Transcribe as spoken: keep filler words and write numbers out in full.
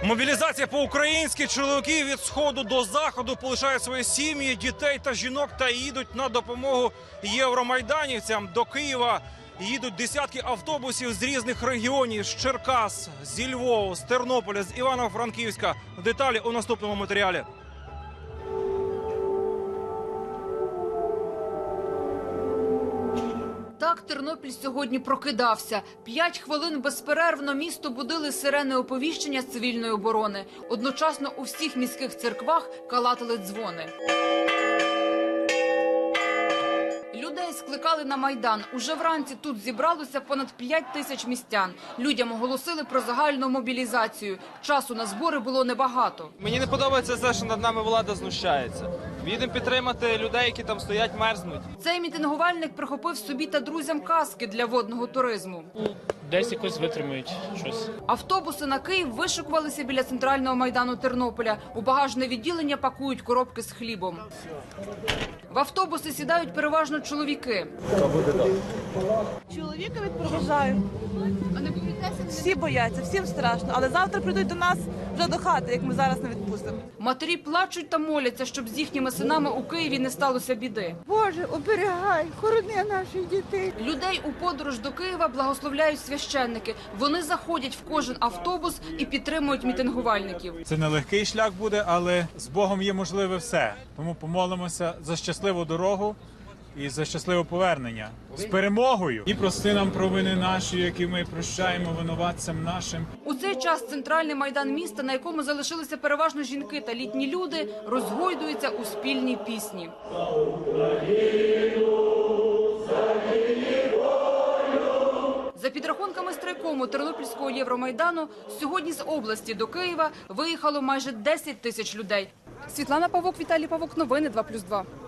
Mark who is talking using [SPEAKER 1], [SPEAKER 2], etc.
[SPEAKER 1] Мобілізація по-українськи. Чоловіки від сходу до заходу полишають свої сім'ї, дітей та жінок та їдуть на допомогу євромайданівцям. До Києва їдуть десятки автобусів з різних регіонів – з Черкас, зі Львова, з Тернополя, з Івано-Франківська. Деталі у наступному матеріалі.
[SPEAKER 2] Так Тернопіль сьогодні прокидався. П'ять хвилин безперервно місто будили сирени оповіщення з цивільної оборони. Одночасно у всіх міських церквах калатали дзвони. Людей скликали на Майдан. Уже вранці тут зібралося понад п'ять тисяч містян. Людям оголосили про загальну мобілізацію. Часу на збори було небагато.
[SPEAKER 3] Мені не подобається те, що над нами влада знущається. Їдемо підтримати людей, які там стоять, мерзнуть.
[SPEAKER 2] Цей мітингувальник прихопив собі та друзям каски для водного туризму.
[SPEAKER 4] Десь якось витримують щось.
[SPEAKER 2] Автобуси на Київ вишикувалися біля центрального майдану Тернополя. У багажне відділення пакують коробки з хлібом. В автобуси сідають переважно чоловіки.
[SPEAKER 5] Чоловіка відпроважаю. А не боїтеся? Всі бояться, всім страшно. Але завтра прийдуть до нас вже до хати, як ми зараз не відпустимо.
[SPEAKER 2] Матері плачуть та моляться, щоб з їхніми синами у Києві не сталося біди.
[SPEAKER 6] Боже, оберігай, хорони наших дітей.
[SPEAKER 2] Людей у подорож до Києва благословляють священники. Вони заходять в кожен автобус і підтримують мітингувальників.
[SPEAKER 7] Це нелегкий шлях буде, але з Богом є можливе все. Тому помолимося за щасливу дорогу і за щасливе повернення. З перемогою! І прости нам провини наші, які ми прощаємо винуватцям нашим.
[SPEAKER 2] У цей час центральний майдан міста, на якому залишилися переважно жінки та літні люди, розгойдується у спільній пісні. За підрахунками страйкому Тернопільського Євромайдану, сьогодні з області до Києва виїхало майже десять тисяч людей. Світлана Павок, Віталій Павок, новини два плюс два.